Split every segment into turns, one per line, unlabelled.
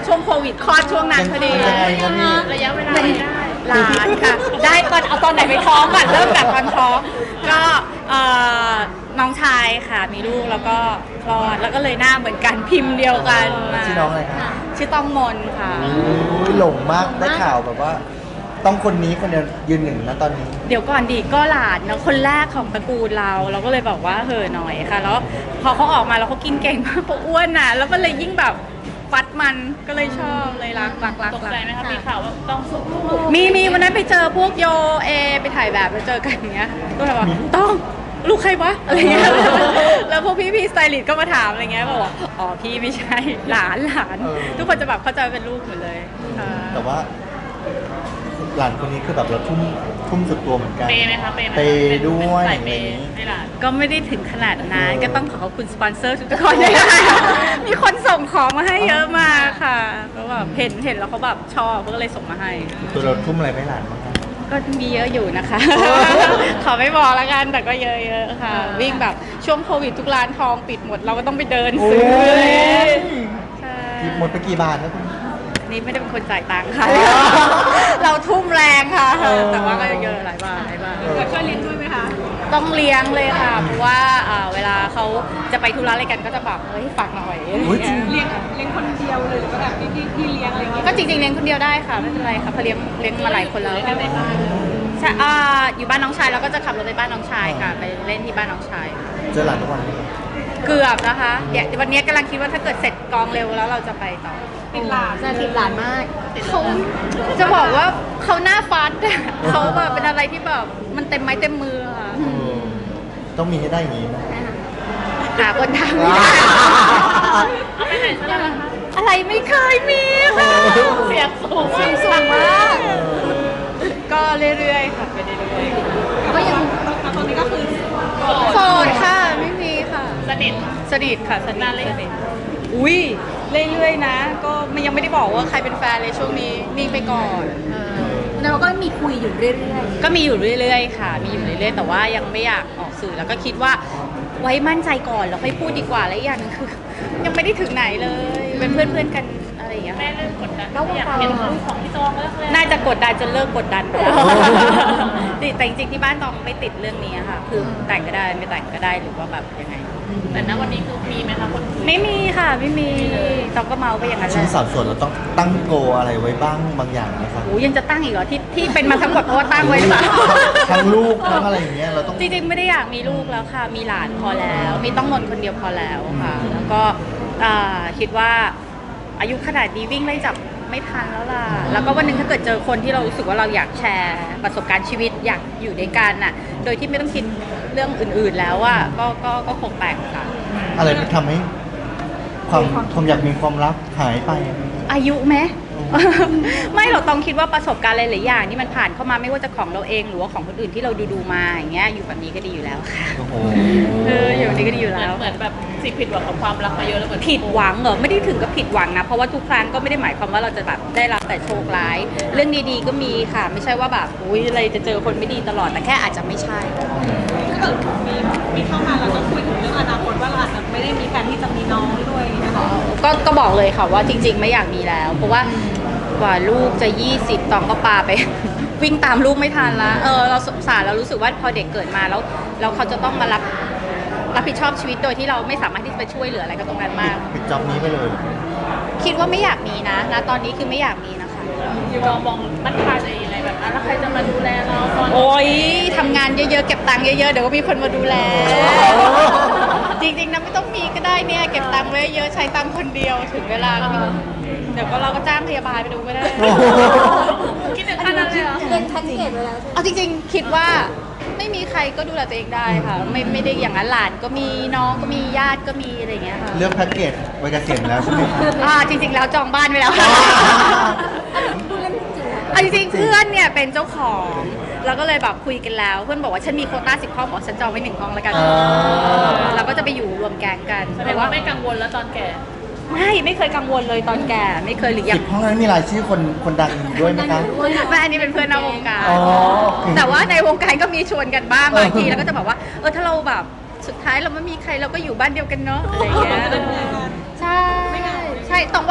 ช่วงโควิดคลอดช่วงนั้นพอดี
ยังไงครับพี่
ระยะเวลา
เป็น
ได้
หลานค่ะ ได้ตอนเอาตอนไหนไปท้องก่อนเริ่มจากตอนท้องก็น้องชายค่ะมีลูกแล้วก็คลอดแล้วก็เลยหน้าเหมือนกันพิมพ์เดียวกันมา
ชื่อน้องอะไรครับ
ชื่อต้องมนค่ะ
โอ้ยหลงมากได้ข่าวแบบว่า ต้องคนนี้คนเดียวยืนหนึ่งนะตอนนี้
เดี๋ยวก่อนดีก็หลานเนอะคนแรกของตระกูลเราก็เลยบอกว่าเห่อะหน่อยค่ะ แล้วพอเขาออกมาแล้วเขากินเก่งมากเขาอ้วนน่ะแล้วก็เลยยิ่งแบบฟัดมันก็เลยชอบเลยรัก
ตกใจไหมคะมีข่าวว่าต้องสู้
มีวันนั้นไปเจอพวกโยเอไปถ่ายแบบไปเจอกันอย่างเงี้ยก็เลยว่าต้องลูกใครวะอะไรเงี้ยแล้วพวกพี่สไตลิสต์ก็มาถามอะไรเงี้ยบอกว่าอ๋อพี่ไม่ใช่หลาน ทุกคนจะแบบเข้าใจว่าเป็นลูกหมดเลยค่ะ
แต่ว่า หลานคนนี้คือแบบเราทุ่มสุดตัวเหมือนกัน
เปย์ไหมคะเปย์ไหม
เปย์ด้วย
ใส่เป
อะไรอ
ย์
ย่างนี้
ให้หลาน
ก็ไม่ได้ถึงขนาดนั้นก็ต้องขอบคุณสปอนเซอร์ทุกคนนะคะมีคนส่งของมาให้เยอะมากค่ะก็แบบเห็นแล้วเขาแบบชอบก็เลยส่งมาให้
ตัวเราทุ่มอะไรไปหลานบ้างครับ
ก็มีเยอะอยู่นะคะ ขอไม่บอกแล้วกันแต่ก็เยอะๆค่ะ วิ่งแบบช่วงโควิดทุกร้านทองปิดหมดเราก็ต้องไปเดินซื้อ
โอ้ย
ใช่
หมดไปกี่บาทแล้วคุณ
นี่ไม่ได้เป็นคนจ่ายตังค์ค่ะ เราทุ่มแรงค่ะ แต่ว่าก็เยอะหลายบาท
ช่วยเลี้ยงด้วยไหมคะ
ต้องเลี้ยงเลยค่ะเพราะว่าเวลาเขาจะไปธุระอะไรกันก็จะแบบเฮ้ยฝากหน่อยอะไร
อุ๊ย
เงี้ย
เลี้ยงคนเดียวเลยหรือว่าแบบที่เลี้ยงอะไรอย่างเงี้ย
ก็จริงๆเลี้ยงคนเดียวได้ค่ะไม่เป็นไรค่ะเพราะเลี้ยงมาหลายคนแล้ว
กันในบ้าน
ใช่อยู่บ้านน้องชายแล้วก็จะขับรถไปบ้านน้องชายค่ะ ไปเล่นที่บ้านน้องชาย
เจอหลานทุกวันไหม
เกือบนะคะเดี๋ยววันนี้กำลังคิดว่าถ้าเกิดเสร็จกองเร็วแล้วเราจะไปต่อ
ติดหลาน
จะติดหลานมาก
เขาจะบอกว่าเขาหน้าฟัดอะเขาแบบเป็นอะไรที่แบบมันเต็มไม้เต็มมือค่ะ
เออต้องมีให้ได้อย่างนี้นะ
หาคนทำไม่ได้
เอาไปไหนซะแล้วล่ะคะ
อะไรไม่เคยมีค่ะ
เสียงสูง
สูงมากก็เรื่อยๆค่ะไปเรื่อย
ก็ยัง
ตอนนี้ก็คือ
ๆโสดค่ะไม่มีค่ะ
สนิท
สนิทค่ะสนิ
นา
ท
นเลย
สนิทอุ้ยเรื่อยๆนะ ก็มันยังไม่ได้บอกว่าใครเป็นแฟนเลยช่วงนี้นิ่งไปก่อน
เราก็มีคุยอยู่เรื่อย
ก็มีอยู่เรื่อยๆค่ะ มีอยู่เรื่อยๆแต่ว่ายังไม่อยากออกสื่อแล้วก็คิดว่าไว้มั่นใจก่อนแล้วค่อยพูดดีกว่าและอีกอย่างหนึงคือ ยังไม่ได้ถึงไหนเลย เป็นเพื่อนๆกันอะไรอย่างเงี้ย
แม่เริ่มกดดันอยากเห็นรูปของพี่ตองแล้วเลย
น่าจะกดดันจนเลิกกดดันไปแล้วแต่จริงๆที่บ้านตองไม่ติดเรื่องนี้ค่ะ คือแต่งก็ได้ไม่แต่งก็ได้หรือว่าแบบยังไง
แต่ณวันนี้คือมีไหมคะคนคุย
ไม่มีค่ะไม่มีตองก็เมาไปอย่างนั้นแห
ชิ้น
ละ
สาวส่วนเราต้องตั้งโกอะไรไว้บ้างบางอย่างนะครับ
โอ้ยังจะตั้งอีกเหรอที่เป็นมาทั้งหมดเพราะว่าตั้งไว้หรือเปล่า
ทั้งลูกทั้งอะไรอย่างเงี้ยเราต้อง
จริงๆไม่ได้อยากมีลูกแล้วค่ะ มีหลานพอแล้ว มีต้องนนคนเดียวพอแล้วค่ะ แล้วก็คิดว่าอายุขนาดนี้วิ่งไล่จับไม่ทันแล้วล่ะ แล้วก็วันหนึ่งถ้าเกิดเจอคนที่เรารู้สึกว่าเราอยากแชร์ประสบการณ์ชีวิตอยากอยู่ด้วยกันน่ะ โดยที่ไม่ต้องคิดเรื่องอื่นๆแล้วอ่ะก็คงแต่งค่ะ
อะไรที่ทำให้ความอยากมีความรักหายไป
อายุไหม ไม่เราต้องคิดว่าประสบการณ์หลายๆอย่างที่มันผ่านเข้ามาไม่ว่าจะของเราเองหรือว่าของคนอื่นที่เราดูมาอย่างเงี้ยอยู่แบบนี้ก็ดีอยู่แล้วค่ะ
โอ้โห
อยู่แบบนี้ก็ดีอยู่แล้ว
เหมือนแบบสิ่งผิดหวังกับความรักมาเยอะแล้วเหมือน
ผิดหวังเหรอไม่ได้ถึงกับผิดหวังนะเพราะว่าทุกครั้งก็ไม่ได้หมายความว่าเราจะแบบได้รับแต่โชคร้าย เรื่องดีๆก็มีค่ะ ไม่ใช่ว่าแบบอุ้ยอะไรจะเจอคนไม่ดีตลอดแต่แค่อาจจะไม่ใช่
ถ้าเกิดมีเข้ามาเราต้องคุยถึงเรื่องอนาคตว่าเราอาจจะไม่ได้มีแผนที่จะมีน้องด้วยนะคะ
ก็บอกเลยค่ะว่าจริง ๆ ไม่อยากมีแล้ว เพราะว่ากว่าลูกจะ20ตองก็ปาไป วิ่งตามลูกไม่ทันละเราสงสารเรารู้สึกว่าพอเด็กเกิดมาแล้วเขาจะต้องมารับผิดชอบชีวิตโดยที่เราไม่สามารถที่จะไปช่วยเหลืออะไรกับตรงนั้นมาก
ปิดจ็อบนี้ไปเลย
คิดว่าไม่อยากมีนะตอนนี้คือไม่อยากมีนะคะ
อยู่มองมั่นคงตัวเองยังไงแบบแล้วใครจะมาดูแลเราตอน
โอ๊ยทำงานเยอะๆเก็บตังค์เยอะๆเดี๋ยวก็มีคนมาดูแล จริงๆนะไม่ต้องมีก็ได้เนี่ยเก็บตังค์ไว้เยอะใช้ตังค์คนเดียวถึงเวลาก็มีเดี๋ยวก็เราก็จ้างพยาบาลไปดูก็ได้
โอ้โห
คิดถึงขนาดนั้นเลยเหรอ
ๆเป็นแพ็กเกจไว้แล้วใช่ไหม
เอาจริงๆคิดว่าไม่มีใครก็ดูแลตัวเองได้ค่ะ ไม่ได้อย่างนั้นหลานก็มีน้องก็มีญาติก็มีอะไรอย่างเงี้ยค่ะ
เลือกแพ็กเกจไว้เกษียณแล้วใช่ไหมครับ
จริงๆแล้วจองบ้านไว้แล้วค่ะ
พูดเล่นจริงๆอะ
เอาจริงๆเพื่อนเนี่ยเป็นเจ้าของแล้วก็เลยแบบคุยกันแล้ว เพื่อนบอกว่าฉันมีโควต้า10 ห้องบอกฉันจองไว้1 ห้องแล้วกันเราก็จะไปอยู่รวมแก๊งกัน
แสดงว่าไม่กังวลแล้วตอนแก่
ไม่เคยกังวลเลยตอนแก่ไม่เคยหรือยั
สิ
ง
บห้องนั้นมีรายชื่อคนดังอยู่ด้วยไหมคะ
ไม่อันนี้เป็นเพื่อนนอกวงการ
อ๋อ
แต่ว่าในวงการก็มีชวนกันบ้างบางทีแล้วก็จะบอกว่าถ้าเราแบบสุดท้ายเราไม่มีใครเราก็อยู่บ้านเดียวกันเนาะอะไรอย่างเงี้ยใช่ใช่ต้องว่า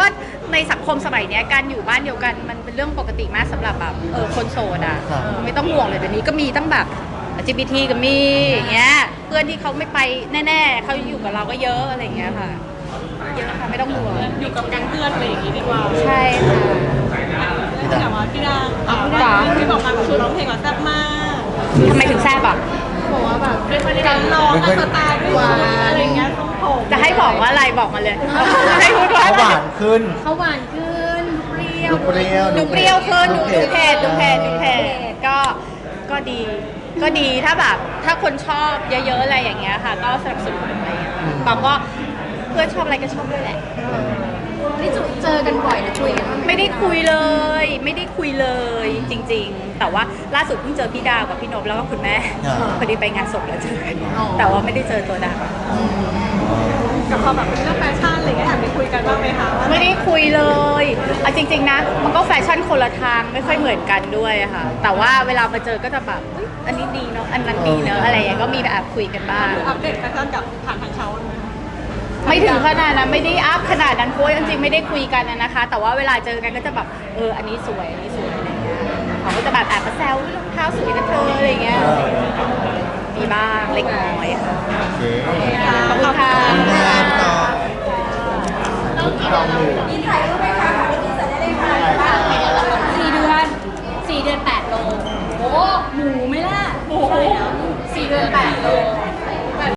ในสังคมสมัยเนี้ยการอยู่บ้านเดียวกันมันเป็นเรื่องปกติมากสำหรับแบบคนโสดอ่ะ
ครับ
ไม่ต้องห่วงเลยเดี๋ยวนี้ก็มีตั้งแบบ LGBT ก็มีอย่างเงี้ยเพื่อนที่เขาไม่ไปแน่ๆเขาอยู่กับเราก็เยอะอะไรอย่างเงี้ยค่ะเยอะค่ะไม่ต้องห่วง
อยู่กับแก๊งเพื่อนอะไรอย่างงี้ดีกว่า
ใช่ค่ะ
แต่ว่าพี่ดาที่บอกมาแบบร้องเพลงว่าแซ่บมาก
ทำไมถึงแซ่บอ่ะ
บอกว่าแบบ
การร้องการสไตล์ด้วยอะไรอย่างเงี้ยทรงผม
จะให้บอกว่าอะไรบอกมาเลย ให้พูดว่า
เขา
อะไร
หวานขึ้น
เขาหวานขึ้นดูเปรี้ยว
ดูเปรี้ยว
ดูเปรี้ยวขึ้นดูเผ็ดดูเผ็ด
ดู
ดู
เผ็
เผ็
ด
ดก็ดีถ้าแบบถ้าคนชอบเยอะๆอะไรอย่างเงี้ยค่ะ ก็สนับสนุนอะไรอย่างเงี้ยปอก็เพื่อนชอบอะไรก็ชอบด้วยแหละ
นี่เจอกันบ่อยนะคุยกันบ้างห
ไม่ได้คุยเลยไม่ได้คุยเลยจริง ๆ แต่ว่าล่าสุดเพิ่งเจอพี่ดาวกับพี่นพแล้วก็คุณแม่
อ่า
พอดีไปงานศพแล้วเจอกันแต่ว่าไม่ได้เจอตัวดาว
กับความแบบเรื่องแฟชั่นอะไรอย่างเงี้ยอยากไปคุยกันบ้างไหมคะว่า
ไม่ได้คุยเลยเอาจริง ๆ นะ มันก็แฟชั่นคนละทางไม่ค่อยเหมือนกันด้วยอะค่ะ แต่ว่าเวลามาเจอก็จะแบบอุ๊ยอันนี้ดีเนาะอันนั้นดีเนาะอะไรอย่างเงี้ยก็มีแบบคุยกันบ้าง
อัปเดตแฟชั่นกับผ่านทางเขาเลย
ไม่ถึงขนาดนั้นไม่ได้อัพขนาดนั้นเพราะว่าจริงๆไม่ได้คุยกันนะคะ แต่ว่าเวลาเจอกันก็จะแบบอันนี้สวยอันนี้สวยอะไรเงี้ยเขาก็จะแบบแอบมาแซวอุ๊ยรองเท้าสวยนะเธออะไรเงี้ยมีบ้างเล็กน้อยค่ะ
โอเค
ขอบคุณค่ะ
ขอบคุณครับพี่ต่อ
มีถ่ายรูปไหม